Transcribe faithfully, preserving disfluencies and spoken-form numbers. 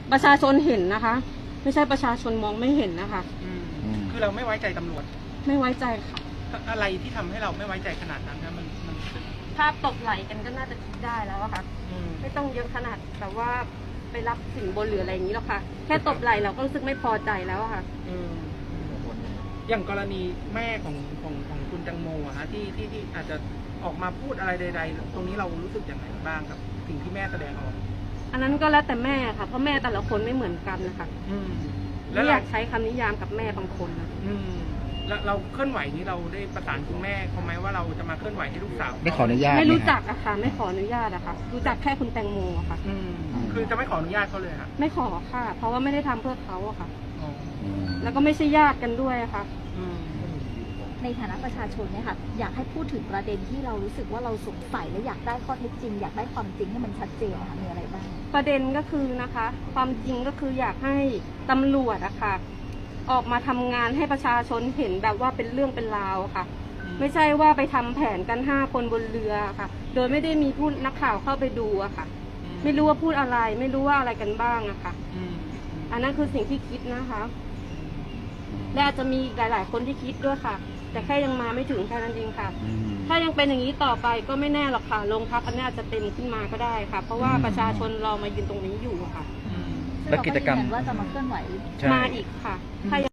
ประชาชนเห็นนะคะ ไม่ใช่ประชาชนมองไม่เห็นนะคะคือเราไม่ไว้ใจตำรวจไม่ไว้ใจค่ะอะไรที่ทำให้เราไม่ไว้ใจขนาดนั้นนะมันมันภาพตกไหลกันก็น่าจะคิดได้แล้วอะค่ะไม่ต้องเยอะขนาดแบบว่าไปรับสินบนหรืออะไรอย่างนี้หรอกค่ะแค่ตบไหลเราก็รู้สึกไม่พอใจแล้วอะค่ะอย่างกรณีแม่ของของของคุณแตงโมอะฮะที่ที่ที่อาจจะออกมาพูดอะไรใดๆตรงนี้เรารู้สึกอย่างไรบ้างกับสิ่งที่แม่แสดงออกอันนั้นก็แล้วแต่แม่ค่ะเพราะแม่แต่ละคนไม่เหมือนกันนะคะแล้วอยากใช้คำนิยามกับแม่บางคนนะแล้วเราเคลื่อนไหวนี้เราได้ประสานคุณแม่เขาไหมว่าเราจะมาเคลื่อนไหวให้ลูกสาวไม่ขออนุญาตไม่รู้จักอะค่ะไม่ขออนุญาตอะค่ะรู้จักแค่คุณแตงโมอะค่ะคือจะไม่ขออนุญาตเขาเลยค่ะไม่ขอค่ะเพราะว่าไม่ได้ทำเพื่อเขาอะค่ะแล้วก็ไม่ใช่ญาติกันด้วยอะค่ะในฐานะประชาชนเนี่ยค่ะอยากให้พูดถึงประเด็นที่เรารู้สึกว่าเราสงสัยและอยากได้ข้อเท็จจริงอยากได้ความจริงให้มันชัดเจนค่ะมีอะไรบ้างประเด็นก็คือนะคะความจริงก็คืออยากให้ตำรวจอะค่ะออกมาทำงานให้ประชาชนเห็นแบบว่าเป็นเรื่องเป็นราวค่ะไม่ใช่ว่าไปทำแผนกันห้าคนบนเรือค่ะโดยไม่ได้มีผู้นักข่าวเข้าไปดูอะค่ะไม่รู้ว่าพูดอะไรไม่รู้ว่าอะไรกันบ้างอะค่ะอันนั้นคือสิ่งที่คิดนะคะและอาจจะมีหลายๆคนที่คิดด้วยค่ะแต่แค่ยังมาไม่ถึงแค่นั้นเองค่ะถ้ายังเป็นอย่างนี้ต่อไปก็ไม่แน่หรอกค่ะโรงพักอันนี้อาจจะเต็มขึ้นมาก็ได้ค่ะเพราะว่าประชาชนรอมายืนตรงนี้อยู่ค่ะแล้วกิจกรรมว่าจะมาเคลื่อนไหวมาอีกค่ะ